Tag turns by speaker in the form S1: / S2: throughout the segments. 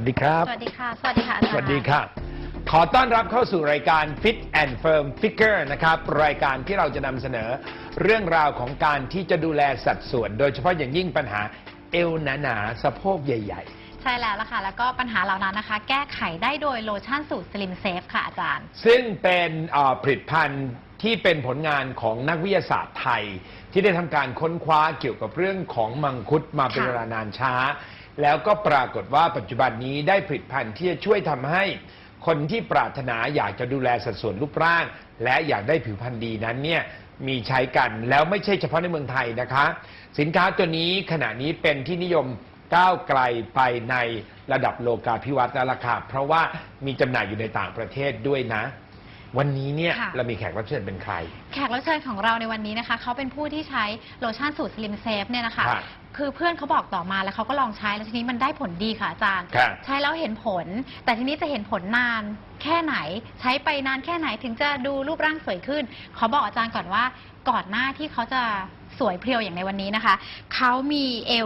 S1: สดีครับ
S2: สวัสดีค่ะ สวัสดีค่ะอาจารย์
S1: สวัสดีค่ะ ขอต้อนรับเข้าสู่รายการ Fit and Firm Figure นะครับรายการที่เราจะนำเสนอเรื่องราวของการที่จะดูแลสัดส่วน โดยเฉพาะอย่างยิ่งปัญหาเอวหนาๆสะโพกใหญ่ๆ
S2: ใช่แล้วล่ะค่ะ แล้วก็ปัญหาเหล่านั้นนะคะ แก้ไขได้โดยโลชั่นสูตร Slim Safe ค่ะอาจารย์
S1: ซึ่งเป็นผลิตภัณฑ์ที่เป็นผลงานของนักวิทยาศาสตร์ไทย ที่ได้ทำการค้นคว้าเกี่ยวกับเรื่องของมังคุดมาเป็นเวลานานช้า แล้วก็ปรากฏว่าปัจจุบันนี้ได้ผลิตภัณฑ์ที่จะช่วยทำให้คนที่ปรารถนาอยากจะดูแลสัดส่วนรูปร่าง และอยากได้ผิวพรรณดีนั้นเนี่ยมีใช้กันแล้วไม่ใช่เฉพาะในเมืองไทยนะคะสินค้าตัวนี้ขณะนี้เป็นที่นิยมก้าวไกลไปในระดับโลกาภิวัตน์แล้วล่ะค่ะเพราะว่ามีจำหน่ายอยู่ในต่างประเทศด้วยนะ วันนี้เนี่ยเรามีแขกรับเชิญเป็นใคร
S2: แขกรับเชิญของเราในวันนี้นะคะเขาเป็นผู้ที่ใช้โลชั่นสูตร Slim Safe เนี่ยนะคะคือเพื่อนเขาบอกต่อมาแล้วเขาก็ลองใช้แล้วทีนี้มันได้ผลดีค่ะอาจารย์ใช้แล้วเห็นผลแต่ทีนี้จะเห็นผลนานแค่ไหนใช้ไปนานแค่ไหนถึงจะดูรูปร่างสวยขึ้นเขาบอกอาจารย์ก่อนว่าก่อนหน้าที่เขาจะสวยเพรียวอย่างในวันนี้นะคะเขามีเอว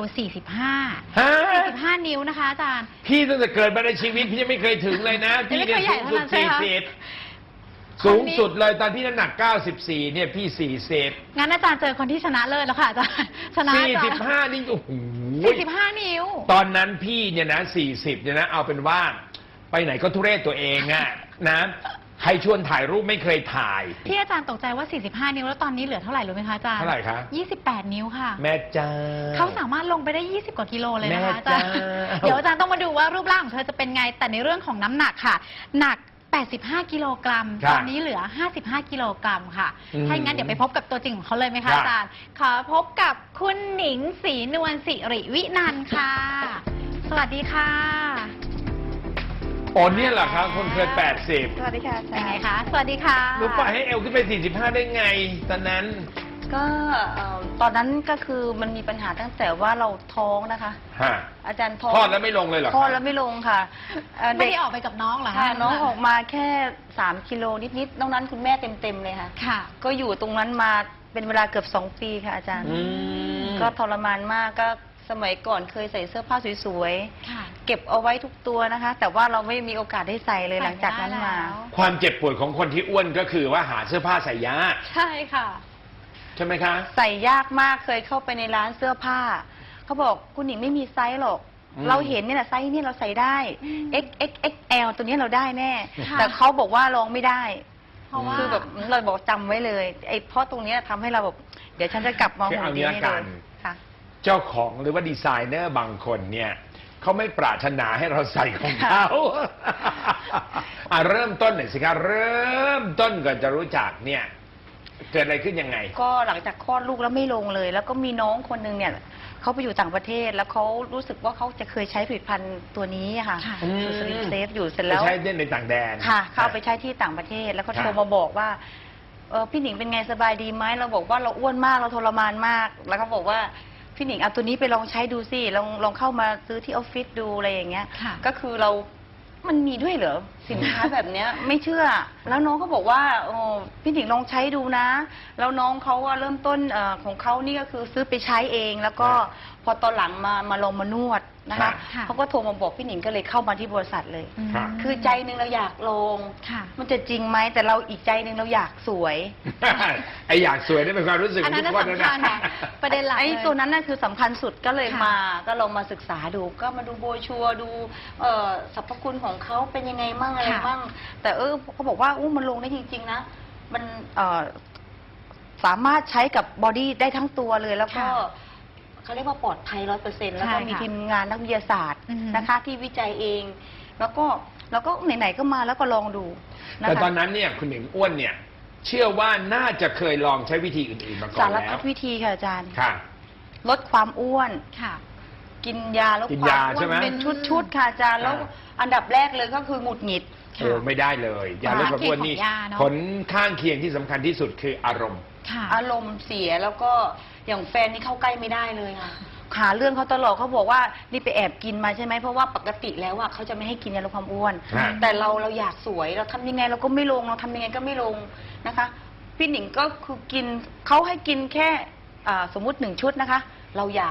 S2: 45 นิ้วนะคะอาจารย์
S1: พี่ตั้งแต่เกิดมาในชีวิตพี่ยังไม่เคยถึงเลยนะพี่เนี่ยสูงสุด40สูงสุดเลยตอนพี่น้ำหนัก94เนี่ยพี่40
S2: งั้นอาจารย์เจอคนที่ชนะเลิศแล้วค่ะอาจารย์ชนะ
S1: 45นี่โอ้โห
S2: 45 นิ้ว
S1: ตอนนั้นพี่เนี่ยนะ40เนี่ยนะเอาเป็นว่าไปไหนก็ทุเรศตัวเองอะนะใครชวนถ่ายรูปไม่เคยถ่าย
S2: ที่อาจารย์ตกใจว่า45 นิ้วแล้วตอนนี้เหลือเท่าไหร่รู้ไหมคะอาจารย์
S1: เท่าไหร่คะ
S2: 28 นิ้วค่ะ
S1: แม่จ้า
S2: เขาสามารถลงไปได้20 กว่ากิโลเลยนะคะอาจารย์เดี๋ยวอาจารย์ต้องมาดูว่ารูปร่างของเธอจะเป็นไงแต่ในเรื่องของน้ำหนักค่ะหนัก85 กิโลกรัมตอนนี้เหลือ55 กิโลกรัมค่ะถ้าอย่างนั้นเดี๋ยวไปพบกับตัวจริงของเขาเลยไหมคะอาจารย์ขอพบกับคุณหนิงศรีนวลสิริวินันท์ค่ะสวัสดีค่ะ
S1: โอ้เนี่ยเหรอครับคนเคย80
S3: สวัสดีค่ะ
S2: เป็นไงคะสวัสดีค่ะ
S1: รู้ป่ะให้เอวขึ้นไป45ได้ไงตอนนั้น
S3: ก็ตอนนั้นก็คือมันมีปัญหาตั้งแต่ว่าเราท้องนะคะอาจารย์ท้อง
S1: คลอดแล้วไม่ลงเลยเหรอ
S3: คลอดแล้วไม่ลงค่ะ
S2: ไม่ได้ออกไปกับน้องเหรอ
S3: คะน้องออกมาแค่3 กิโลนิดๆนอกนั้นคุณแม่เต็มเลยค่ะ
S2: ค่ะ
S3: ก็อยู่ตรงนั้นมาเป็นเวลาเกือบ2 ปีค่ะอาจารย์ก็ทรมานมากก็สมัยก่อนเคยใส่เสื้อผ้าสวยๆเก็บเอาไว้ทุกตัวนะคะแต่ว่าเราไม่มีโอกาสได้ใส่เลยหลังจากนั้นมา
S1: ความเจ็บปวดของคนที่อ้วนก็คือว่าหาเสื้อผ้าใส่ยาก
S2: ใช่ค่ะ
S1: ใช่ไหมคะ
S3: ใส่ยากมากเคยเข้าไปในร้านเสื้อผ้าเขาบอกคุณหนิงไม่มีไซส์หรอกเราเห็นเนี่ยแหละไซส์นี่เราใส่ได้ XXXL ตัวนี้เราได้แน่แต่เขาบอกว่าลองไม่ได้คือแบบเราบอกจำไว้เลยไอ้เพราะตรงนี้ทำให้เราแบบเดี๋ยวฉันจะกลับมาหุ่นดีให้เลยค่ะ
S1: เจ้าของหรือว่าดีไซเนอร์บางคนเนี่ยเขาไม่ปรารถนาให้เราใส่ของเขาเริ่มต้นหน่อยสิครับเริ่มต้นก่อนจะรู้จักเนี่ยเกิดอะไรขึ้นยังไง
S3: ก็หลังจากคลอดลูกแล้วไม่ลงเลยแล้วก็มีน้องคนนึงเนี่ยเขาไปอยู่ต่างประเทศแล้วเขารู้สึกว่าเขาจะเคยใช้ผลิตภัณฑ์ตัวนี้ค่ะสูตรสลิมเซฟอยู่เสร็จแล้ว
S1: ใช้ในต่างแดน
S3: ค่ะเขาไปใช้ที่ต่างประเทศแล้วเขาโทรมาบอกว่าพี่หนิงเป็นไงสบายดีไหมเราบอกว่าเราอ้วนมากเราทรมานมากแล้วเขาบอกว่าพี่หนิงเอาตัวนี้ไปลองใช้ดูสิลองเข้ามาซื้อที่ออฟฟิศดูอะไรอย่างเงี้ยก็คือมันมีด้วยเหรอสินค้าแบบเนี้ยไม่เชื่อแล้วน้องเขาบอกว่าพี่หนิงลองใช้ดูนะแล้วน้องเขาว่าเริ่มต้นของเขานี่ก็คือซื้อไปใช้เองแล้วก็พอตอนหลังมาลองมานวดนะคะเขาก็โทรมาบอกพี่หนิงก็เลยเข้ามาที่บริษัทเลยคือใจนึงเราอยากลงมันจะจริงไหมแต่เราอีกใจนึงเราอยากสวย
S1: ไออยากสวยนี่เป็นความรู้สึกของทุกคน
S2: นะประเด็นหลัก
S3: ไอตัวนั้นน่ะคือสำคัญสุดก็เลยก็ลองมาศึกษาดูก็มาดูโบชัวดูสรรพคุณของเขาเป็นยังไงมั่งอะไรมั่งแต่เขาบอกว่ามันลงได้จริงๆนะมันสามารถใช้กับบอดี้ได้ทั้งตัวเลยแล้วก็เขาเรียกว่าปลอดภัย100%แล้วก็มีทีมงานนักวิทยาศาสตร์นะคะที่วิจัยเองแล้วก็ไหนๆก็มาแล้วก็ลองดู
S1: แต่ตอนนั้นเนี่ยคุณหนิงอ้วนเนี่ยเชื่อว่าน่าจะเคยลองใช้วิธีอื่นๆมาก่อนแล้ว
S3: สารพัดวิธีค่ะอาจารย์
S1: ค่ะ
S3: ลดความอ้วน
S2: ค่ะ
S3: กินยาลดความอ้วนเป็นชุดๆค่ะอาจารย์แล้วอันดับแรกเลยก็คือหงุดหงิด
S1: ไม่ได้เลยยาลดความอ้วนนี่ผลข้างเคียงที่สำคัญที่สุดคืออารมณ์
S3: เสียแล้วก็อย่างแฟนนี่เข้าใกล้ไม่ได้เลยค่ะหาเรื่องเขาตลอดเขาบอกว่านี่ไปแอบกินมาใช่ไหมเพราะว่าปกติแล้วเขาจะไม่ให้กินยาลดความอ้วนแต่เราอยากสวยเราทำยังไงเราก็ไม่ลงเราทำยังไงก็ไม่ลงนะคะพี่หนิงก็คือกินเขาให้กินแค่สมมุติ1 ชุดนะคะเราอยาก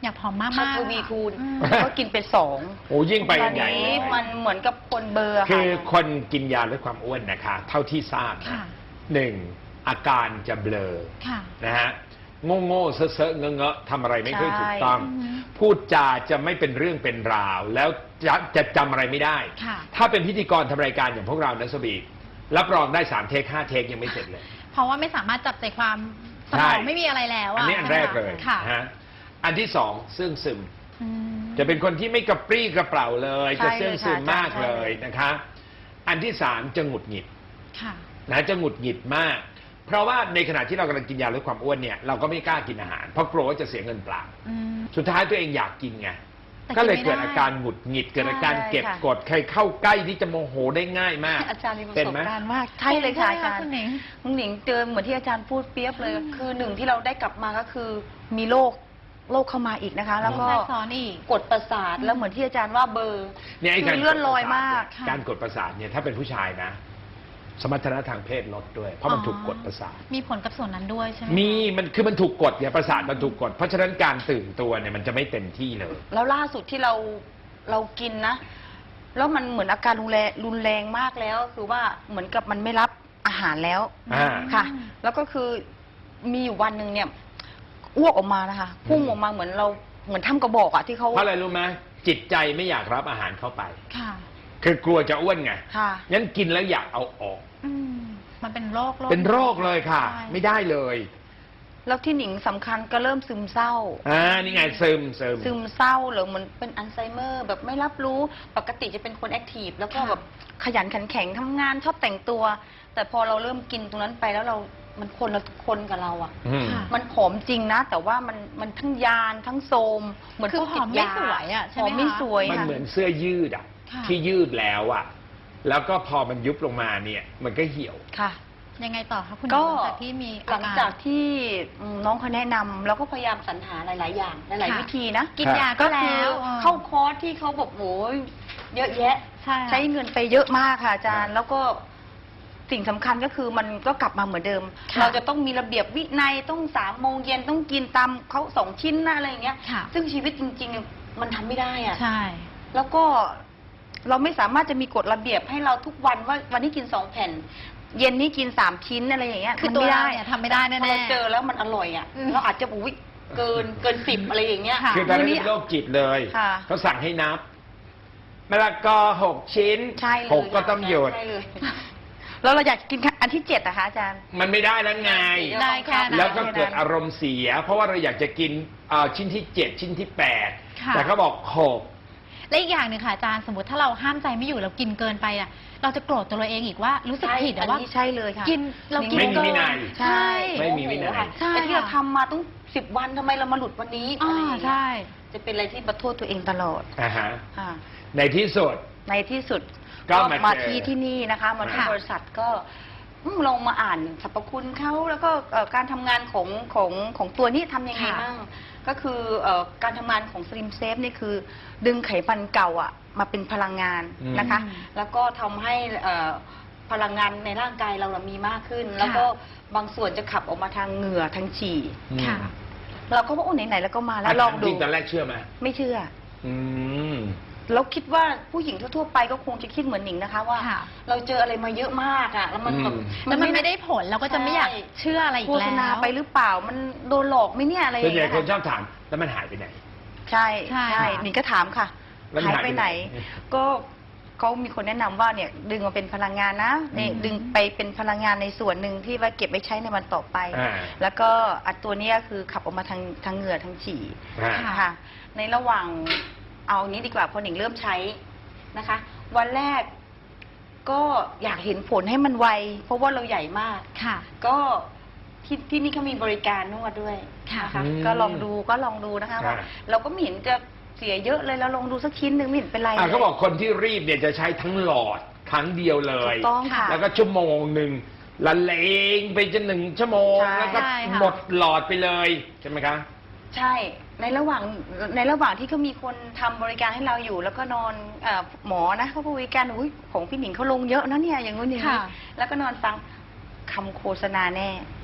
S2: อยากผอมมาก
S3: ถ้า
S2: ๆ
S3: ทวีคูณ
S2: อืม
S3: ก็กินเป็นสอง
S1: โอ้ยิ่งไป
S3: ต
S1: กั
S3: อน
S1: นใหญ่
S3: นี้
S1: เลย
S3: มันเหมือนกับคนเบลอร์
S1: คือ
S3: ค่ะ
S1: คนกินยาลดความอ้วนนะคะ เท่าที่ทราบ
S2: ค่ะ
S1: นะหนึ่งอาการจะเบลอ
S2: ค่ะ
S1: นะฮะโง่ๆเซอะๆเงอะๆทำอะไรไม่ค่อยถูกต้อง
S2: ใช่
S1: พูดจาจะไม่เป็นเรื่องเป็นราว แล้วจะจำอะไรไม่ได้
S2: ค่ะ
S1: ถ้าเป็นพิธีกรทำรายการอย่างพวกเรานะสบีรับรองได้3 เทค 5 เทคยังไม่เสร็จเลย
S2: เพราะว่าไม่สามารถจับใจความส
S1: ใช่
S2: มองไม่มีอะไรแล้ว
S1: อัน
S2: อะ
S1: นี้อันแรกเลย
S2: ค่ะ
S1: นะฮะอันที่สองเสื่องซึม
S2: อืม
S1: จะเป็นคนที่ไม่กระปรี้กระเปร่าเลย
S3: ใช่
S1: จะเสื่องซึม
S3: เลยค่ะ
S1: มาก
S3: ใช่
S1: เลยนะคะ อันที่สามจะหงุดหงิด
S2: ค่ะ
S1: นะจะหงุดหงิดมาก เพราะว่าในขณะที่เรากำลังกินยาลดความอ้วนเนี่ยเราก็ไม่กล้ากินอาหารเพราะกลัวว่าจะเสียเงินเปล่า
S2: อืม
S1: สุดท้ายตัวเองอยากกินไง
S2: แต่
S1: ก็เลย
S2: กินไม่
S1: เกิด
S2: ได้
S1: อาการหงุดหงิดเกิดอาการ
S3: ใช่
S1: เก็บ
S3: ค่ะ
S1: กดใครเข้าใกล้ที่จะโมโหได้ง่ายมาก
S3: อาจารย์มีประ
S1: เป็น
S3: สบ
S1: ไหม
S3: การณ์มากใช่เลยค่ะอาจารย์
S2: คุณหนิง
S3: คุณหนิงเจอเหมือนที่อาจารย์พูดเปรียบเลย
S2: อืม
S3: คือหนึ่งที่เราได้กลับมาก็คือมีโรคเข้ามาอีกนะคะ แล้วก็
S2: แทรกซ้อนอีก
S3: กดประสาท
S2: อืม
S3: แล้วเหมือนที่อาจารย์ว่าเบลอร์
S1: เนี่ยไอ้
S3: คื
S1: การ
S3: อเลื่อนลอยมาก
S2: ค่ะ
S1: การกดประสาทเนี่ยถ้าเป็นผู้ชายนะ สมรรถนะทางเพศลดด้วย เพราะมันถูกกดประสาท
S2: มีผลกับส่วนนั้นด้วยใช่ไหม
S1: มีมันถูกกดเนี่ยประสาทมันถูกกด เพราะฉะนั้นการตื่นตัวเนี่ยมันจะไม่เต็มที่เลย
S3: แล้วล่าสุดที่เรากินนะ แล้วมันเหมือนอาการรุนแรงมากแล้ว คือว่าเหมือนกับมันไม่รับอาหารแล้ว
S1: อ่า
S3: ค่ะ แล้วก็คือมีอยู่วันหนึ่งเนี่ยอ้วกออกมานะคะพุ่งออกมาเหมือนทำกระบอกอะที่เขา
S1: เพราะอะไรรู้ไหมจิตใจไม่อยากรับอาหารเข้าไป
S2: ค่ะ
S1: คือกลัวจะอ้วนไง
S3: ค่ะ
S1: งั้นกินแล้วอยากเอาออก
S2: อืมมันเป็นโรค
S1: เป็นโรคเลยค่ะ
S2: ใช่
S1: ไม่ได้เลย
S3: แล้วที่หนิงสำคัญก็เริ่มซึมเศร้า
S1: นี่ไงซึม
S3: ซึมเศร้าหรือเหมือนเป็นอัลไซเมอร์ แบบไม่รับรู้ปกติจะเป็นคนแอคทีฟแล้วก็แบบขยันขันแข็งทำงานชอบแต่งตัว แต่พอเราเริ่มกินตรงนั้นไปแล้วมันคนละคนกับเราอ่ะ
S1: อืม
S2: ค่ะ
S3: มันผอมจริงนะ แต่ว่ามันทั้งยานทั้งโทรมเหมือน
S2: คือ
S3: พวก
S2: ผ
S3: ติ
S2: อ
S3: ด
S2: มไม่
S3: ยา
S2: สวยอะใช่
S3: ผ
S2: ไหม
S3: อมไม่
S2: คะ
S3: สวย
S1: มัน
S3: ค่ะ
S1: เหมือนเสื้อยืดอ่ะ
S2: ค่ะ
S1: ที่ยืดแล้วอ่ะ แล้วก็พอมันยุบลงมาเนี่ย มันก็เหี่ยว
S3: ค่ะ
S2: ยังไงต่อคะคุณห
S3: ก็
S2: ญิงหลังจากที่มี
S3: หลังจากที่น้องเขาแนะนำเราก็พยายามสรรหาหลาย ๆ อย่างหลาย ๆ วิธีนะ
S2: กินยาก็
S3: ก็
S2: แล้
S3: คือ
S2: ว
S3: เข้าคอร์สที่เขาบอกโอ้ยเยอะแยะ
S2: ใช่ค่ะ
S3: ใช้เงินไปเยอะมากค่ะอาจารย์ แล้วก็สิ่งสำคัญก็คือมันก็กลับมาเหมือนเดิม
S2: ค่ะ
S3: เราจะต้องมีระเบียบวินัยต้อง3 โมงเย็นต้องกินตามเขา2 ชิ้นนะอะไรอย่างเงี้ย
S2: ค่ะ
S3: ซึ่งชีวิตจริง ๆ มันทำไม่ได้อะ
S2: ใช่
S3: แล้วก็เราไม่สามารถจะมีกฎระเบียบให้เราทุกวันว่าวันนี้กิน2 แผ่น เย็นนี้กิน3 ชิ้นอะไรอย่างเงี้ย
S2: คือ
S3: มัน
S2: ตัว
S3: ไม่
S2: เรา
S3: ได้
S2: เนี่ยทำไม่ได้แน่
S3: พอ
S2: ๆ
S3: เราเจอแล้วมันอร่อยอ่ะ
S2: อืม
S3: เราอาจจะอุ้ยเกิน10อะไรอย่างเงี้ย
S2: ค่ะ
S1: คือตอนนั้นเป็นโรคจิตเลย
S3: ค่ะ
S1: เขาสั่งให้นับมะละกอ6 ชิ้น
S3: ใช่เลย
S1: หกก็ต้องหยุด
S3: ใช่เลย แล้วเราอยากกินอันที่7นะคะอาจารย์
S1: มันไม่ได้แล้วไง
S2: ได้แค่นั้น
S1: แล้วก็เกิดอารมณ์เสีย เพราะว่าเราอยากจะกินชิ้นที่ 7 ชิ้นที่
S2: ค่ะ
S1: 8 แต่เขาบอก6
S2: และอีกอย่างหนึ่งค่ะอาจารย์สมมติถ้าเราห้ามใจไม่อยู่เรากินเกินไปอ่ะเราจะโกรธตัวเราเองอีกว่ารู้สึกผิด
S3: อั
S2: อะ
S3: น
S2: ว่า
S3: นี้ใช่เลยค่ะ
S2: กินเรากิน
S1: ไม่มี
S2: เกิ
S1: วินัย
S2: ใช่
S1: ไม่มีวินัย
S3: โอ้โหค่ะ
S2: ใช่
S3: แต่ที่เรา
S2: ค่ะ
S3: ทำมาต้อง10 วันทำไมเรามาหลุดวันนี้
S2: อ่า
S3: อะไรอย่างเงี้ย
S2: ใช่
S3: จะเป็นอะไรที่ประโทษตัวเองตลอด
S1: อ่าฮะ
S3: ค่ะ
S1: ในที่สุด
S3: ในที่สุด
S1: ก็มา
S3: ที่นี่นะคะมาที่
S2: ค่ะ
S3: บริษัทก็ลองมาอ่านสรรพคุณเขาแล้วก็การทำงานของตัวนี้ทำยังไง
S2: ค่ะ
S3: บ้างก็คือการทำงานของ Slim Safe นี่คือ ดึงไขมันเก่าอ่ะมาเป็นพลังงานนะคะ
S2: อืม
S3: แล้วก็ทำให้พลังงานในร่างกายเรามีมากขึ้น แล้วก็บางส่วนจะขับออกมาทางเหงื่อทางฉี่
S2: ค่ะ
S3: เราก็ว่าโอ้ไหนๆแล้วก็มาแล้วลองดู
S1: จริงตอนแรกเชื่อไหม
S3: ไม่เชื่อ
S1: อืม
S3: เราคิดว่าผู้หญิงทั่วๆไปก็คงจะคิดเหมือนหนิงนะคะว่า
S2: ค่ะ
S3: เราเจออะไรมาเยอะมากอ่ะแล้วมันแบบ
S2: แล้วมันไม่ได้ผลเราก็จะไม่อยากเชื่ออะไรอี
S3: โฆ
S2: กแล้
S3: ษณาว ไปหรือเปล่ามันโดนหลอกไหมเนี่ยอะไรอ
S1: ส่วน
S3: ย่าง
S1: ใหญ่
S3: เงี้ย
S1: คนช
S3: ค่ะ
S1: อบถามแล้วมันหายไปไหน
S3: ใช่
S2: ใช่
S3: ใช่หนิงก็ถามค่ะ
S1: แล้วมัน
S3: หายไปไหน
S1: หายไปไหน
S3: ก็เขามีคนแนะนำว่าเนี่ยดึงมาเป็นพลังงานนะเนี่ย
S1: อืม
S3: ดึงไปเป็นพลังงานในส่วนหนึ่งที่ว่าเก็บไว้ใช้ในวันต่อไป
S1: อ่า
S3: แล้วก็อันตัวเนี้ยคือขับออกมาทางเหงื่อทางฉี่
S1: อ่า
S2: ค่ะ
S3: ค่ะในระหว่างเอานี้ดีกว่าพอหนิงเริ่มใช้นะคะ วันแรกก็อยากเห็นผลให้มันไว เพราะว่าเราใหญ่มาก
S2: ค่ะ
S3: ก็ที่นี่เขามีบริการนวดด้วย
S2: ค่ะ
S3: นะคะ
S1: อืม
S3: ก็ลองดูนะคะว่า
S1: ค่ะ
S3: เราก็ไม่เห็นจะเสียเยอะเลยเราลองดูสักชิ้นหนึ่งไม่เห็นเป็นไร
S1: เขาบอกคนที่รีบเนี่ยจะใช้ทั้งหลอดครั้งเดียวเล
S3: ถู
S1: ย
S3: กต้องค่ะ
S1: แล้วก็ชั่วโมงหนึ่งละเลงไปจน1 ชั่วโมง
S3: ใช่
S1: แล้วก็
S2: ใช่ค่ะ
S1: หมดหลอดไปเลยใช่ไหมคะ
S3: ใช่ในระหว่างที่เขามีคนทำบริการให้เราอยู่ แล้วก็นอนหมอนะเขาบริการอุ้ยของพี่หนิงเขาลงเยอะนะเนี่ยอย่างนู้นอย่างนี้
S2: ค่ะ
S3: แล้วก็นอนฟังคำโฆษณาแน่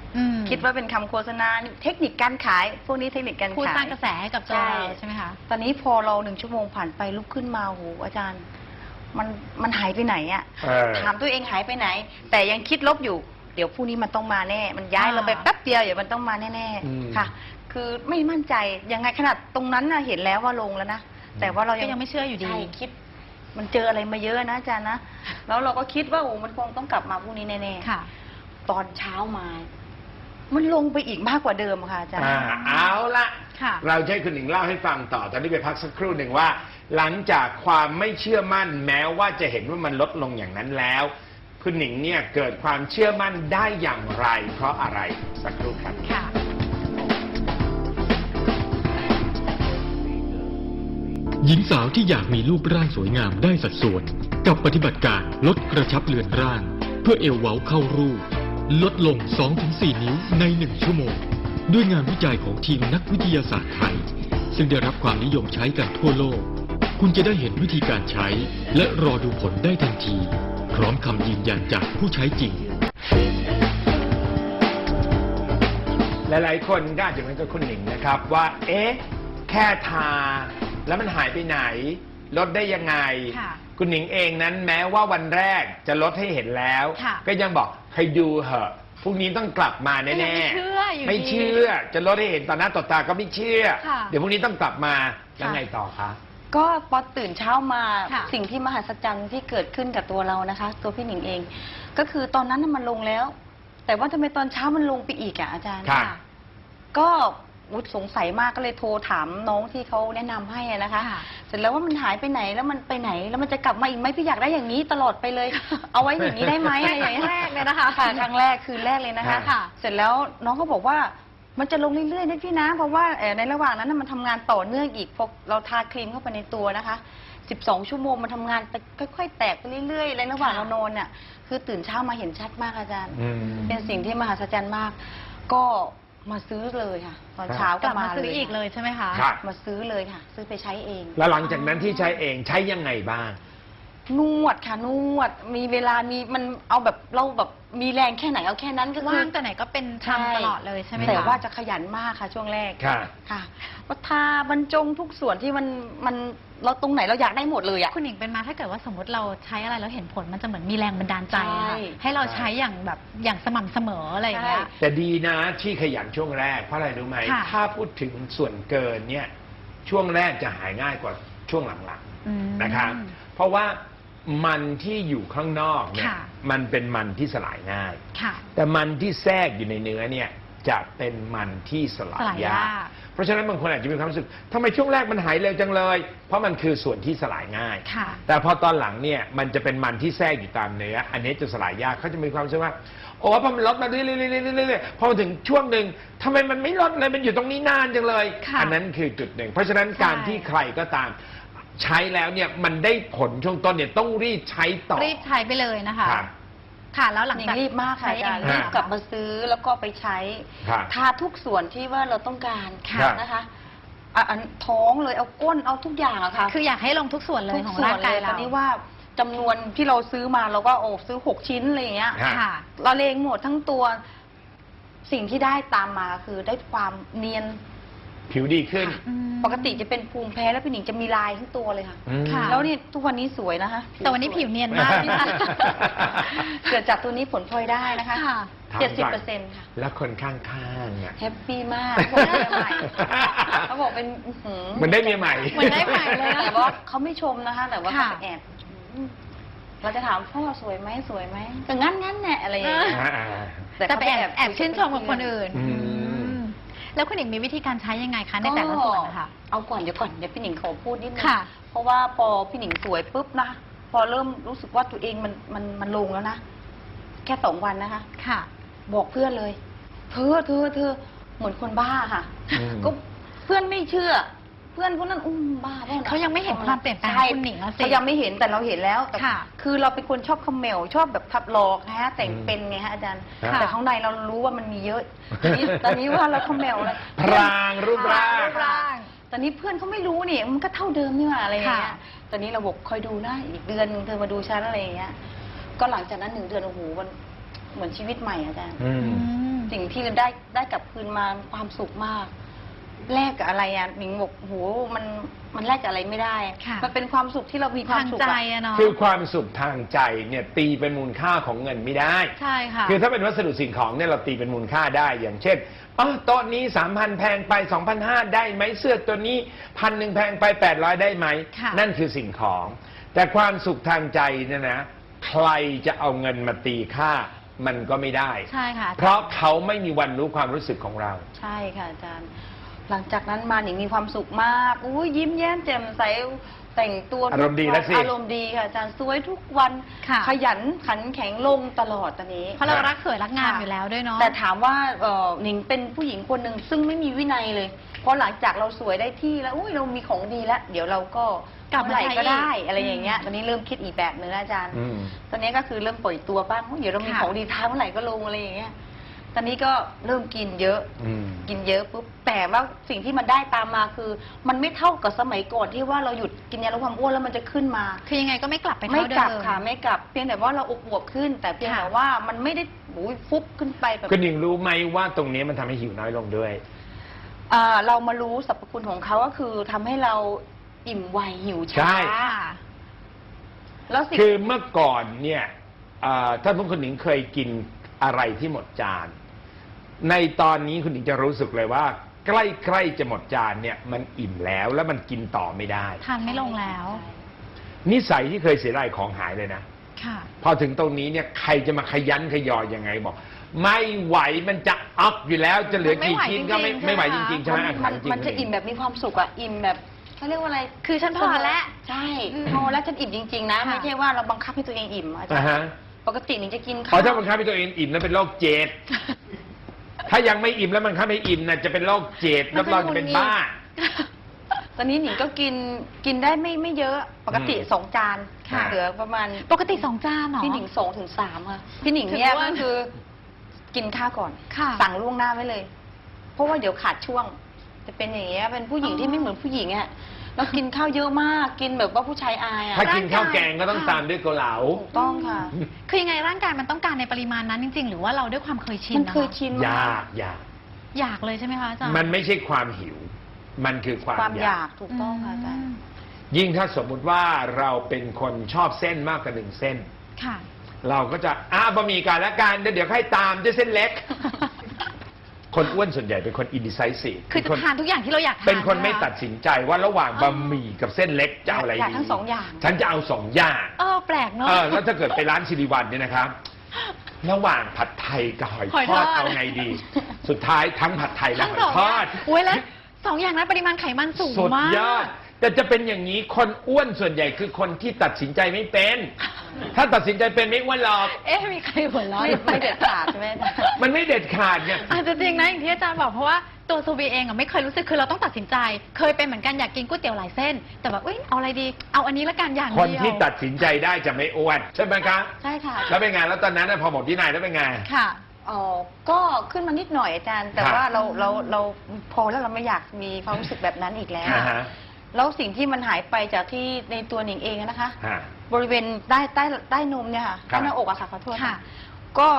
S3: คิดว่าเป็นคำโฆษณาเทคนิคการขายพวกนี้เทคนิคการ
S2: พูด
S3: ขาย
S2: สร้างกระแสให้กับตัวเราใช่ไหมคะ
S3: ตอนนี้พอเรา1 ชั่วโมงผ่านไปลุกขึ้นมาโหอาจารย์มันหายไปไหนอ่ะถามตัวเองหายไปไหน แต่ยังคิดลบอยู่เดี๋ยวพรุ่งนี้มันต้องมาแน่ มันย้ายเราไปแป๊บเดียวเดี๋ยวมันต้องมาแน่ๆค่ะ คือไม่มั่นใจยังไงขนาดตรงนั้นน่ะเห็นแล้วว่าลงแล้วนะแต่ว่าเรา
S2: ก็ยังไม่เชื่ออยู่ดี
S3: ใช่คิด มันเจออะไรมาเยอะนะอาจารย์นะแล้วเราก็คิดว่าโอ้มันคงต้องกลับมาพรุ่งนี้แน่ๆ
S2: ค่ะ
S3: ตอนเช้ามา มันลงไปอีกมากกว่าเดิมค่ะอาจารย์
S1: เอาละ
S2: ค่ะ
S1: เราจะให้คุณหนิงเล่าให้ฟังต่อตอนนี้ไปพักสักครู่หนึ่งว่า หลังจากความไม่เชื่อมั่นแม้ว่าจะเห็นว่ามันลดลงอย่างนั้นแล้ว คุณหนิงเนี่ยเกิดความเชื่อมั่นได้อย่างไร เพราะอะไรสักครู่ครับ
S2: ค่ะ
S4: หญิงสาวที่อยากมีรูปร่างสวยงามได้สัดส่วนกับปฏิบัติการลดกระชับเลือนร่าง เพื่อเอวเว้าเข้ารูปลดลง 2-4 นิ้วใน 1 ชั่วโมง ด้วยงานวิจัยของทีมนักวิทยาศาสตร์ไทย ซึ่งได้รับความนิยมใช้กันทั่วโลก คุณจะได้เห็นวิธีการใช้ และรอดูผลได้ทันที พร้อมคำยืนยันจากผู้ใช้จริง
S1: หลายๆคนก็อาจจะเหมือนกับคุณหนิงนะครับว่า เอ๊ะ แค่ทาแล้วมันหายไปไหน ลดได้ยังไง
S2: ค่ะ
S1: คุณหนิงเองนั้นแม้ว่าวันแรกจะลดให้เห็นแล้ว
S2: ค่ะ
S1: ก็ยังบอกให้ดูเหอะพรุ่งนี้ต้องกลับมา
S2: ก็
S1: แน่
S2: ยังไม่เชื่ออยู่
S1: ไม่
S2: ดี
S1: เชื่อ จะลดให้เห็นต่อหน้าต่อตาก็ไม่เชื่อ
S2: ค่ะ
S1: เดี๋ยวพรุ่งนี้ต้องกลับมาแล้วไงต่อคะ
S3: ก็พอตื่นเช้ามา
S2: ค่ะ
S3: สิ่งที่มหัศจรรย์ที่เกิดขึ้นกับตัวเรานะคะ ตัวพี่หนิงเอง ก็คือตอนนั้นน่ะมันลงแล้ว แต่ว่าทำไมตอนเช้ามันลงไปอีกอ่ะอาจารย์
S1: ค่ะ
S3: ก็สงสัยมากก็เลยโทรถามน้องที่เขาแนะนำให้อะนะคะ
S2: ค่ะ
S3: เสร็จแล้วว่ามันหายไปไหนแล้วมันไปไหนแล้วมันจะกลับมาอีกไหมพี่อยากได้อย่างนี้ตลอดไปเลย เอาไว้อย่างนี้ได้ไหมอะไรอย่างเงี้ย
S2: ครั้งแรกเลยนะคะ
S3: ค่ะครั้งแรกคืนแรกเลยนะคะ
S2: ค่ะ
S3: เสร็จแล้วน้องก็บอกว่ามันจะลงเรื่อยๆนะพี่นะเพราะว่าในระหว่างนั้นนะมันทำงานต่อเนื่องอีกพอเราทาครีมเข้าไปในตัวนะคะ 12 ชั่วโมงมันทำงานไปค่อยๆ แตกไปเรื่อยๆในระหว่างเรานอนเนี่ยคือตื่นเช้ามาเห็นชัดมากอาจารย์
S1: อืม
S3: เป็นสิ่งที่มหัศจรรย์มาก ก็มาซื้อเลยค่ะ ตอนเช้าก ก็
S2: ลับ
S3: มา
S2: มาซื้ออีกเลยใช่ไหมคะ
S1: ครับ
S3: มาซื้อเลยค่ะ ซื้อไปใช้เอง
S1: แล้วหลังจากนั้นที่ใช้เองใช้ยังไงบ้าง
S3: นวดค่ะนวดมีเวลามีมันเอาแบบเราแบบมีแรงแค่ไหนเอาแค่นั้นก็คือ
S2: ว่างแต่ไหนก็เป็น
S3: ใช่
S2: ทำตลอดเลยใช่ไหมคะ
S3: แต่ว่าจะขยันมากค่ะช่วงแรก
S1: ค่ะ
S3: ค่ะว่าทาบรรจงทุกส่วนที่มันเราตรงไหนเราอยากได้หมดเลยอ่ะ
S2: คุณหญิงเป็นมาถ้าเกิดว่าสมมติเราใช้อะไรแล้วเห็นผลมันจะเหมือนมีแรงบันดาลใจอะ
S3: ใช่
S2: ค่ะให้เราใช้อย่างแบบอย่างสม่ำเสมออะไรอย่างเงี้ย
S3: ใช่
S1: แต่ดีนะที่ขยันช่วงแรกเพราะอะไรรู้ไหม
S2: ค่ะ
S1: ถ้าพูดถึงส่วนเกินเนี่ยช่วงแรกจะหายง่ายกว่าช่วงหลัง
S2: อืม
S1: ๆนะครับ เพราะว่ามันที่อยู่ข้างนอกเนี่ย
S2: ค่ะ
S1: มันเป็นมันที่สลายง่าย
S2: ค่ะ
S1: แต่มันที่แทรกอยู่ในเนื้อเนี่ยจะเป็นมันที่สลาย
S2: สลาย
S1: ยาย
S2: าก ก
S1: เพราะฉะนั้นบางคนอาจจะมีความรู้สึกทำไมช่วงแรกมันหายเร็วจังเลย เพราะมันคือส่วนที่สลายง่าย
S2: ค่ะ
S1: แต่พอตอนหลังเนี่ยมันจะเป็นมันที่แทรกอยู่ตามเนื้อ อันนี้จะสลายยากเขาจะมีความรู้สึกว่าโอ้พอมันลดมาเรื่อยๆๆๆๆพอมาถึงช่วงหนึ่งทำไมมันไม่ลดเลยมันอยู่ตรงนี้นานจังเลย
S2: ค่ะ
S1: อันนั้นคือจุดหนึ่ง เพราะฉะนั้นการ
S2: ใช่
S1: ที่ใครก็ตามใช้แล้วเนี่ยมันได้ผลช่วงต้นเนี่ยต้องรีบใช้ต่อ
S2: รีบใช้ไปเลยนะคะ
S1: ครับ
S2: ค่ะ แล้วหลัง
S3: หนิ
S2: จาก
S3: งรีบมากค่ะอาจารย์
S2: ใช้เอง
S3: รีบกลับมาซื้อแล้วก็ไปใช้
S1: ครับ
S3: ทาทุกส่วนที่ว่าเราต้องการ
S1: ครับ
S3: นะคะอันท้องเลยเอาก้นเอาทุกอย่างอะค่ะ
S2: คืออยากให้ลงทุกส่วนเลยของร่างกาย
S3: ต
S2: เรา
S3: อนนี้ว่าจำนวนที่เราซื้อมาเราก็ซื้อ6 ชิ้นอะไรอย่างเงี้ย
S1: ฮะ
S2: ค่ะ
S3: เราเลงหมดทั้งตัวสิ่งที่ได้ตามมาคือได้ความเนียน
S1: ผิวดีขึ้น
S2: อืม
S3: ปกติจะเป็นภูมิแพ้แล้วพี่หนิงจะมีลายทั้งตัวเลยค่ะ
S1: อืม
S2: ค่ะ
S3: แล้วนี่ทุกวันนี้สวยนะคะ
S2: แต่วันนี้ผิวเนียนมากพี่นะ
S3: เกิดจากตัวนี้ผลพลอยได้นะคะ
S2: ค่ะ
S1: ถามก่อน
S3: 70%ค่ะ
S1: แล้วคนข้างๆอ่ะ
S3: แฮปปี้มากเขาบอกเมียใหม่เขาบอกเป็นอื้อหือ
S1: เหมือนได้เมียใหม่
S2: เหมือนได้ใหม่เลยนะ
S3: แต่ว่าเขาไม่ชมนะคะ แต่ว่าเขา
S2: ค่ะ
S3: ไปแอบเราจะถามพ่อสวยไหมสวยไหมก็งั้นแน่อะไรอย่างเงี้ย
S1: อ่า
S2: แต่ไปแอบชื่นชมกับคนอื่น
S1: อืม
S2: อืมแล้วคุณหญิงมีวิธีการใช้ยังไงคะในแต่ละส่วนนะคะ
S3: เอาก่อนเดี๋ยวพี่หนิงขอพูดนิดนึง
S2: ค่ะ
S3: เพราะว่าพอพี่หนิงสวยปุ๊บนะพอเริ่มรู้สึกว่าตัวเองมันลงแล้วนะแค่2 วันนะคะ
S2: ค่ะ
S3: บอกเพื่อนเลย เธอเหมือนคนบ้าค่ะ
S1: อืม
S3: ก็เพื่อนไม่เชื่อ เพื่อนพวกนั้นบ้าปล่ะ
S2: เขายังไม่เห็นความเปลี่ยนแปลง
S3: ใช่
S2: คุณหนิงแล้วสิ
S3: เขายังไม่เห็นแต่เราเห็นแล้วแต่
S2: ค่ะ
S3: คือเราเป็นคนชอบคอมเมลชอบแบบทับหลอกนะฮะแต่ง
S1: อืม
S3: เป็นไงฮะอาจารย์
S1: ค่ะ
S3: แต่ข้างในเรารู้ว่ามันมีเยอะตอนนี้ว่าเราคอมเมลแล้ว
S1: พรางรูปร่าง
S2: รูปร่าง
S3: ตอนนี้เพื่อนเขาไม่รู้นี่มันก็เท่าเดิมนี่หว่าอะไรอย่างเงี้ย
S2: ค่ะ
S3: ตอนนี้เราบอกคอยดูนะอีกเดือนนึงเธอมาดูฉันอะไรอย่างเงี้ยก็หลังจากนั้น1 เดือนโอ้โหมันเหมือนชีวิตใหม่อาจารย์
S1: อืม
S2: อืม
S3: สิ่งที่ได้กลับคืนมาความสุขมากแลกกับอะไรอ่ะหนิงบอกโหมันแลกกับอะไรไม่ได้
S2: ค่ะ
S3: มันเป็นความสุขที่เรามีความ
S2: ทาง
S3: สุข
S2: ใจ
S3: อะ
S2: อะเนาะ
S1: คือความสุขทางใจเนี่ยตีเป็นมูลค่าของเงินไม่ได้
S2: ใช่ค่ะ
S1: คือถ้าเป็นวัสดุสิ่งของเนี่ยเราตีเป็นมูลค่าได้ อย่างเช่นโต๊ะนี้ 3,000 แพงไป 2,500 ได้ไหมเสื้อตัวนี้1,000แพงไป 800 ได้ไหม
S2: ค่ะ
S1: นั่นคือสิ่งของ แต่ความสุขทางใจเนี่ยนะใครจะเอาเงินมาตีค่ามันก็ไม่ได้
S2: ใช่ค่ะ
S1: เพราะเขาไม่มีวันรู้ความรู้สึกของเรา
S3: ใช่ค่ะอาจารย์ หลังจากนั้นมาหนิงมีความสุขมากอุ้ยยิ้มแย้มแจ่มใสแต่งตัวทุก
S1: อารมณ์ดีแล้วสิ
S3: อารมณ์ดีค่ะอาจารย์สวยทุกวัน
S2: ค่ะ
S3: ขยันขันแข็งลงตลอดตอนนี้
S2: เพราะเรารักสวยรักงามอยู่แล้วด้วยเนาะ
S3: แต่ถามว่าหนิงเป็นผู้หญิงคนหนึ่งซึ่งไม่มีวินัยเลย เพราะหลังจากเราสวยได้ที่แล้วอุ้ยเรามีของดีแล้ว เดี๋ยวเราก็
S2: กลับมา
S3: เมื่อไหร่ก็ได้
S2: ใช้อีก
S3: อะไรอย่างเงี้ยตอนนี้เริ่มคิดอีกแบบหนึงแล้วอาจารย์
S1: อืม
S3: ตอนนี้ก็คือเริ่มปล่อยตัวบ้างเดี๋ยวเรามี
S2: ค่ะ
S3: ของดีท้ายเมื่อไหร่ก็ลงอะไรอย่างเงี้ยตอนนี้ก็เริ่มกินเยอะ
S1: อืม
S3: กินเยอะปุ๊บแต่ว่าสิ่งที่มันได้ตามมาคือ มันไม่เท่ากับสมัยก่อนที่ว่าเราหยุดกินยาลดความอ้วนแล้วมันจะขึ้นมา
S2: คือยังไงก็ไม่กลับไป
S3: ไม่
S2: เท่าเดิ
S3: กลับ
S2: ม
S3: ค่ะไม่กลับเพียงแต่ว่าเราอวบขึ้น แต่เพียงแต่ว่ามันไม่ได้ฟุบขึ้นไปแบบ
S1: คุณหญิงรู้ไหมว่าตรงนี้มันทำให้หิวน้อยลงด้วย
S3: เรามารู้สรรพคุณของเขาก็คือทำให้เราอิ่มไวหิว
S1: ใช่
S3: ช้า
S2: ค่ะ
S3: แล้วสิ่ง
S1: คือเมื่อก่อนเนี่ยถ้าพวกคุณหญิงเคยกินอะไรที่หมดจาน ในตอนนี้คุณหญิงจะรู้สึกเลยว่า ใกล้ๆจะหมดจานเนี่ยมันอิ่มแล้วแล้วมันกินต่อไม่ได้
S2: ทานไม่ลงแล้ว
S1: นิสัยที่เคยเสียดายของหายเลยนะ
S2: ค่ะ
S1: พอถึงตรงนี้เนี่ยใครจะมาขยันขยอยังไงบอก ไม่ไหวมันจะอัพอยู่แล้วจะเหลือกี่ชิ้นก็ไม่ไหวจริงๆใช่ไหม
S3: มันจะอิ่มแบบมีความสุขอะอิ่มแบบเขาเรียกว่าอะไร
S2: คือฉันพอแล้ว
S3: ใช่
S2: อืม
S3: พอแล้วฉันอิ่มจริงๆนะ
S2: ค่ะ
S3: ไม่ใช่ว่าเราบังคับให้ตัวเองอิ่มอาจาร
S1: อ่า
S3: ย์
S1: ฮะ
S3: ปกติหนิงจะกิน
S1: พ
S3: ข้า
S1: อ
S3: ว
S1: ถ้าบังคับให้ตัวเองอิ่มนั้นเป็นโรคเจด ถ้ายังไม่อิ่มแล้วมันคับให้อิ่มนะจะเป็นโรคเจดรับรองจะเป็นบ้า
S3: ตอนนี้หนิงก็กินได้ไม่เยอะปกติ
S1: อืม
S3: 2 จาน
S1: ค่ะ
S3: เหลือประมาณ
S2: ปกติ2 จานเหรอ
S3: พี่หนิง2 ถึง 3ค่ะพี่หนิงเนี่ย
S2: ถือว่า
S3: ก็คือกินข้าวก่อน
S2: ค่ะ
S3: สั่งล่วงหน้าไว้เลย เพราะว่าเดี๋ยวขาดช่วง จะเป็นอย่างเงี้ยเป็นผู้หญิงที่ไม่เหมือนผู้หญิงอ่ะแล้วกินข้าวเยอะมากกินแบบว่าผู้ชายอายอ่ะ
S1: ถ้ากินข้าวแกงก็ต้องตามด้วยเกาเหลา
S3: ถูกต้องค่ะ
S2: คือยังไงร่างกายมันต้องการในปริมาณนั้นจริง ๆ หรือว่าเราด้วยความเคยชิน
S3: มัน
S2: นะะ
S3: เคยชินมาย
S1: าก
S2: อยากเลยใช่ไหมคะอาจารย์
S1: มันไม่ใช่ความหิว มันคือความ
S3: ความอยาก
S1: ก
S3: ถูกต้องค่ะอาจารย์
S1: ยิ่งถ้าสมมุติว่าเราเป็นคนชอบเส้นมากกว่า1 เส้น
S2: ค่ะ
S1: เราก็จะบะหมี่กันละกันเดี๋ยวให้ตามด้วยเส้นเล็ก คนอ้วนส่วนใหญ่เป็นคน indecisive
S2: คือจะทานทุกอย่างที่เราอยากทาน
S1: เป็นคนไม่
S2: ใช่ห
S1: ตัดสินใจว่าระหว่างบะหมี่กับเส้นเล็กจะเอาอะไร
S3: อยาก
S1: ดี
S3: ทั้งสองอย่าง
S1: ฉันจะเอา2 อย่าง
S2: แปลกเนาะ
S1: แล้วถ้าเกิดไปร้านสิริวัลเนี่ยนะครับ ระหว่างผัดไทยกับหอย
S2: หอย
S1: ท
S2: ท
S1: อ
S2: อ
S1: ด
S2: ด
S1: เอาไงดี สุดท้ายทั้งผัดไทยและ
S2: ทั้ง
S1: หอย
S2: สอง
S1: ท
S2: อ
S1: อย่าง ด
S2: โอ้ยแล้ว2 อย่างนั้นปริมาณไขมันสูง
S1: สุด
S2: มาก
S1: ยอด แต่จะเป็นอย่างนี้คนอ้วนส่วนใหญ่คือคนที่ตัดสินใจไม่เป็น ถ้าตัดสินใจเป็นไม่อ้วนหรอก
S2: มีใครหัวเราะ
S3: ไม่เด็ดขาดใช่ไหมอาจารย์
S1: มันไม่เด็ดขาดเนี่ย
S2: อาจจะจริงนะอย่างที่อาจารย์บอกเพราะว่าตัวซูบีเองอะไม่เคยรู้สึกคือเราต้องตัดสินใจ เคยเป็นเหมือนกันอยากกินก๋วยเตี๋ยวหลายเส้น แต่แบบเอาอะไรดี เอาอันนี้ละกันอย่าง
S1: คน
S2: เดียว
S1: ที่ตัดสินใจได้จะไม่อ้วนใช่ไหมครับ
S3: ใช่ค่ะ
S1: แล้วเป็นไงแล้วตอนนั้นน่ะพอหมดที่นายแล้วเป็นไง
S2: ค่ะ
S3: ก็ขึ้นมานิดหน่อยอาจารย์ แต่
S1: ครับ
S3: ว่าเราพอแล้วเราไม่อยากมีความรู้สึกแบบนั้นอีกแล้ว
S1: อ่าฮะ
S3: แล้วสิ่งที่มันหายไปจากที่ในตัวหนิงเองนะคะ
S1: ฮะ
S3: บริเวณใต้นมเนี่ยค่ะ
S1: ครั
S3: ใต้
S1: บ
S3: หน้าอกอะค่ะขอโทษ
S2: ค่ะ
S3: ค่ะ ก็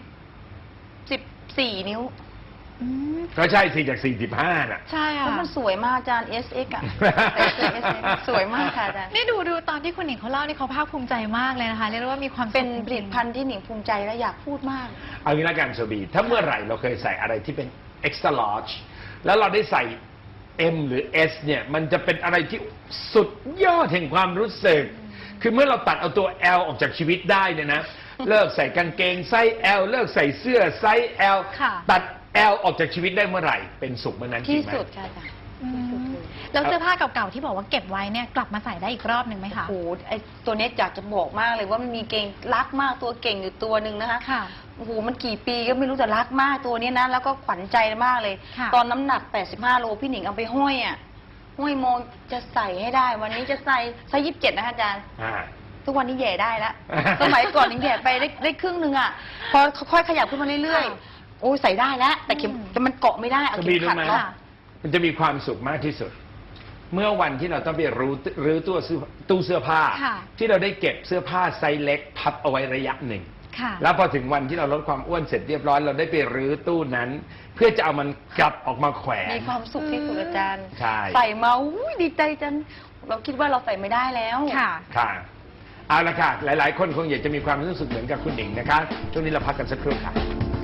S3: 14 นิ้ว
S2: อืม
S1: ก็ใช่สิจาก45น่ะ
S2: ใช่
S3: แล้ว
S2: ค่ะ
S3: มันสวยมากอาจารย์ SX อะ SX สวยมากค่ะอาจารย์
S2: นี่ดูตอนที่คุณหนิงเขาเล่านี่เขาภาคภูมิใจมากเลยนะคะเรียกได้ว่ามีความสุข
S3: เป็นผลิต
S2: จริงๆ
S3: ภัณฑ์ที่หนิงภูมิใจและอยากพูดมาก
S1: เอางี้ละกันโซบีถ้าเมื่อไหร่เราเคยใส่อะไรที่เป็น extra large แล้วเราได้ใส่ M หรือ S เนี่ยมันจะเป็นอะไรที่สุดยอดแห่งความรู้สึก คือเมื่อเราตัดเอาตัว L ออกจากชีวิตได้เนี่ยนะ เลิกใส่กางเกงไซส์ L เลิกใส่เสื้อไซส์ L
S2: ค่ะ
S1: ตัด L ออกจากชีวิตได้เมื่อไหร่ เป็นสุขเมื่อนั้นจริ
S3: ที่
S1: งไหม
S3: สุดค่ะอาจารย์
S2: อืมแล้วเสื้อผ้าเก่าๆที่บอกว่าเก็บไว้เนี่ยกลับมาใส่ได้อีกรอบหนึ่งไหมคะ
S3: โอ้โหไอตัวเนี้ยอยากจะบอกมากเลยว่ามันมีเก่งรักมากตัวเก่งอยู่ตัวหนึ่งนะคะ
S2: ค่ะ
S3: โอ้โหมันกี่ปีก็ไม่รู้แต่รักมากตัวเนี้ยนะแล้วก็ขวัญใจมากเลย
S2: ค่ะ
S3: ตอนน้ำหนัก 85 โลพี่หนิงเอาไปห้อยอ่ะห้อยโมงจะใส่ให้ได้ วันนี้จะใส่ไซส์27นะคะอาจารย์
S1: อ่า
S3: ทุกวันนี้แย่ได้แล้ว สมัยก่อนหนิงแย่ไปได้ครึ่งหนึงอ่ะพอค่อยขยับขึ้นมาเรื่อยๆโอ้ยใส่ได้แล้วแต่เข็มแต่มันเกาะไม่ได้เอา
S1: จะ
S3: เข็
S1: มี
S3: ม
S1: รู้
S3: ขัด
S1: ไหม
S3: เนาะ
S1: มันจะมีความสุขมากที่สุด เมื่อวันที่เราต้องไปรื้อตู้เสื้อผ้า
S2: ค่ะ
S1: ที่เราได้เก็บเสื้อผ้าไซส์เล็กพับเอาไว้ระยะหนึ่ง
S2: ค่ะ
S1: แล้วพอถึงวันที่เราลดความอ้วนเสร็จเรียบร้อยเราได้ไปรื้อตู้นั้น เพื่อจะเอามันกลับออกมาแขวน
S3: มีความสุขที่สุดอาจารย์
S1: ใช่
S3: ใส่มาอุ้ยดีใจจังเราคิดว่าเราใส่ไม่ได้แล้ว
S2: ค่ะ
S1: ค่ะเอาละค่ะหลาย ๆ คนคงอยากจะมีความรู้สึกเหมือนกับคุณหนิงนะคะช่วงนี้เราพักกันสักครู่ค่ะ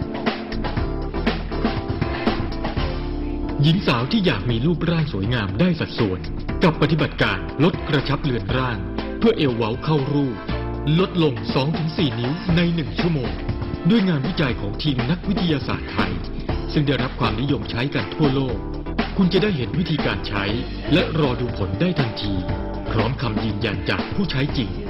S4: หญิงสาวที่อยากมีรูปร่างสวยงามได้สัดส่วน กับปฏิบัติการลดกระชับเลือนร่าง เพื่อเอวเว้าเข้ารูป ลดลง 2-4 นิ้วใน 1 ชั่วโมง ด้วยงานวิจัยของทีมนักวิทยาศาสตร์ไทย ซึ่งได้รับความนิยมใช้กันทั่วโลก คุณจะได้เห็นวิธีการใช้ และรอดูผลได้ทันที พร้อมคำยืนยันจากผู้ใช้จริง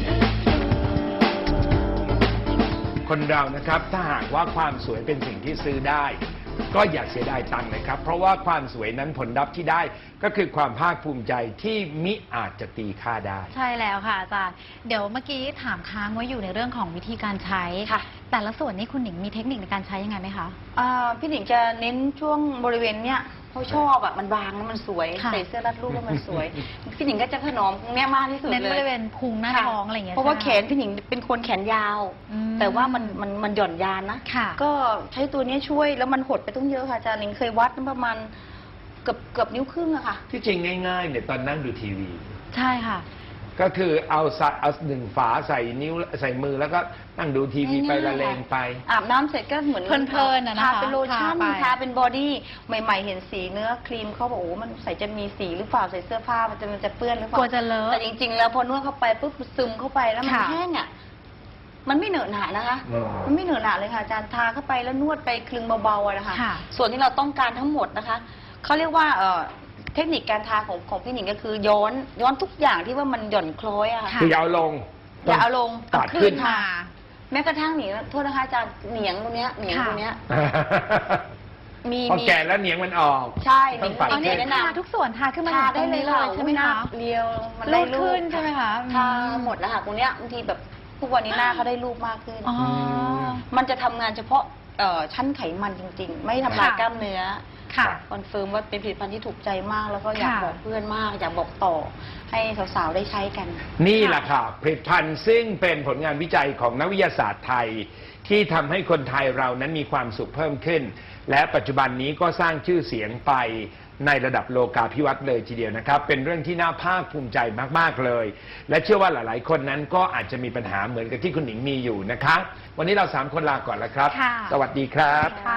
S1: คนเรานะครับถ้าหากว่าความสวยเป็นสิ่งที่ซื้อได้ ก็อย่าเสียดายตังค์นะครับ เพราะว่าความสวยนั้นผลลัพธ์ที่ได้ก็คือความภาคภูมิใจที่มิอาจจะตีค่าได้
S2: ใช่แล้วค่ะอาจารย์เดี๋ยวเมื่อกี้ถามค้างไว้อยู่ในเรื่องของวิธีการใช้
S3: ค่ะ
S2: แต่ละส่วนนี้คุณหนิงมีเทคนิคในการใช้ยังไงไหมคะ
S3: พี่หนิงจะเน้นช่วงบริเวณเนี้ยเขาชอบอะมันบางแล้วมันสวย
S2: ค่ะ
S3: ใส่เสื้อรัดรูปแล้วมันสวย พี่หนิงก็จะถนอมตรงเนี้ยมากที่สุดเลย
S2: เน้นบริเวณพุงหน้า
S3: ค่ะ
S2: ท้องอะไรอย่างเงี้ย
S3: เพราะว่าแข
S2: ใช่ไหม
S3: นพี่หนิงเป็นคนแขนยาว
S2: อืม
S3: แต่ว่ามันหย่อนยานนะ
S2: ค่ะ
S3: ก็ใช้ตัวเนี้ยช่วยแล้วมันหดไปต้องเยอะค่ะอาจารย์หนิงเคยวัดประมาณเกือบนิ้วครึ่งอะค่ะ
S1: ที่จริงง่าย ๆ เนี่ยตอนนั่งดูทีวี
S2: ใช่ค่ะ
S1: ก็คือเอาหนึ่งฝาใส่นิ้วใส่มือแล้วก็นั่งดูทีวีไปละเลงไป
S3: อาบน้ำเสร็จก็เหมือน
S2: เพลินๆอะนะคะ
S3: ทาเป็นโลชั่น
S2: ทาไป
S3: ทาเป็นบอดี้ใหม่ ๆ เห็นสีเนื้อครีมเขาบอกโอ้มันใส่จะมีสีหรือเปล่าใส่เสื้อผ้ามันจะเปื้อนหรือเป
S2: กลัว
S3: ล่า
S2: จะเลอะ
S3: แต่จริง ๆ แล้วพอนวดเข้าไปปุ๊บซึมเข้าไปแล้วมัน
S2: ค่ะ
S3: แห้งอ่ะมันไม่เหนอะหนะนะคะ
S1: อืม
S3: มันไม่เหนอะหนะเลยค่ะอาจารย์ทาเข้าไปแล้วนวดไปคลึงเบาๆอะนะคะ
S2: ค่ะ
S3: ส่วนที่เราต้องการทั้งหมดนะคะเขาเรียกว่าเทคนิคการทาของพี่หนิงก็คือย้อนทุกอย่างที่ว่ามันหย่อนคล้อยอะค่ะ
S1: คืออย่าเอาลง
S3: อย่าเอาลง
S1: ตัดขึ้น
S3: ค่ะ แม้กระทั่งหนิงโทษนะคะอาจารย์เหนียงตรงเนี้ยเหนียงตรงเนี้ย มี
S1: พอแก่แล้วเหนียงมันออก
S3: ใช่
S1: ต้องปัด
S2: อ๋อ
S3: หนิ
S2: นี่
S3: งแนะนำ
S2: ทาทุกส่วนทาขึ้นมา
S3: ทา
S2: ถึง
S3: ได้
S2: ตรง
S3: เลย
S2: นี้
S3: ค่ะ
S2: ใช่ไหม
S3: หน้า
S2: คะ
S3: เรียวมัน
S2: รู
S3: ได้
S2: ป
S3: รู
S2: ขึ้
S3: ป
S2: นใช่ไหมคะ
S3: ทาหมดแล้วค่ะตรงเนี้ยบางทีแบบทุกวันนี้หน้าเขาได้รูปมากขึ้น
S2: อ๋อ
S3: มันจะทำงานเฉพาะชั้นไขมันจริง ๆ ไม่ทำลาย
S2: ค่ะ
S3: กล้ามเนื้อ
S2: ค่ะ
S3: คอนเฟิร์มว่าเป็นผลิตภัณฑ์ที่ถูกใจมาก แล้วก็อยาก
S2: ค่ะ
S3: บอกเพื่อนมาก อยากบอกต่อให้สาวๆได้ใช้กัน
S1: นี่แหละค่ะผลิตภัณฑ์ซึ่งเป็นผลงานวิจัยของนักวิทยาศาสตร์ไทย ที่ทำให้คนไทยเรานั้นมีความสุขเพิ่มขึ้น และปัจจุบันนี้ก็สร้างชื่อเสียงไปในระดับโลกาภิวัตน์เลยทีเดียวนะครับ เป็นเรื่องที่น่าภาคภูมิใจมากๆเลย และเชื่อว่าหลายๆ คนนั้นก็อาจจะมีปัญหาเหมือนกับที่คุณหนิงมีอยู่นะคะวันนี้เรา3 คนลาก่อนแล้วครับ
S2: ค่ะ
S1: สวัสดีครับ
S2: ค่ะ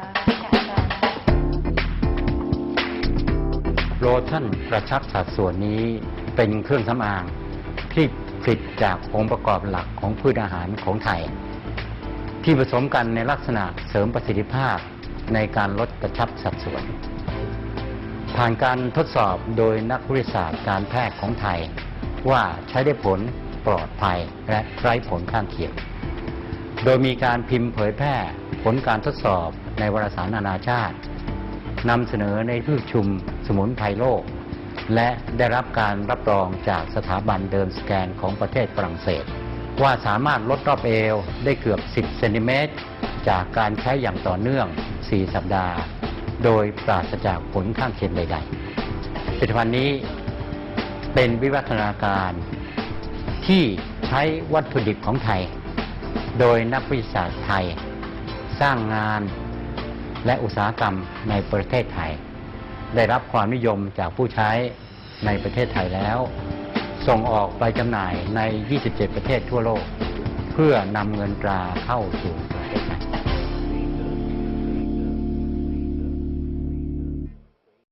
S5: โลชั่นกระชับสัดส่วนนี้เป็นเครื่องสำอางที่ผลิตจากองค์ประกอบหลักของพืชอาหารของไทย ที่ผสมกันในลักษณะเสริมประสิทธิภาพในการลดกระชับสัดส่วน ผ่านการทดสอบโดยนักวิทยาศาสตร์การแพทย์ของไทย ว่าใช้ได้ผลปลอดภัยและไร้ผลข้างเคียง โดยมีการพิมพ์เผยแพร่ผลการทดสอบในวารสารนานาชาตินำเสนอในที่ประชุมสมุนไพรโลก และได้รับการรับรองจากสถาบันเดิมสแกนของประเทศฝรั่งเศส ว่าสามารถลดรอบเอวได้เกือบ 10 เซนติเมตรจากการใช้อย่างต่อเนื่อง 4 สัปดาห์ โดยปราศจากผลข้างเคียงใดๆผลิตภัณฑ์นี้เป็นวิวัฒนาการที่ใช้วัตถุดิบของไทย โดยนักวิทยาศาสตร์ไทย สร้างงานและอุตสาหกรรมในประเทศไทย ได้รับความนิยมจากผู้ใช้ในประเทศไทยแล้ว ส่งออกไปจำหน่ายใน 27 ประเทศทั่วโลก เพื่อนำเงินตราเข้าสู่ประเทศไทย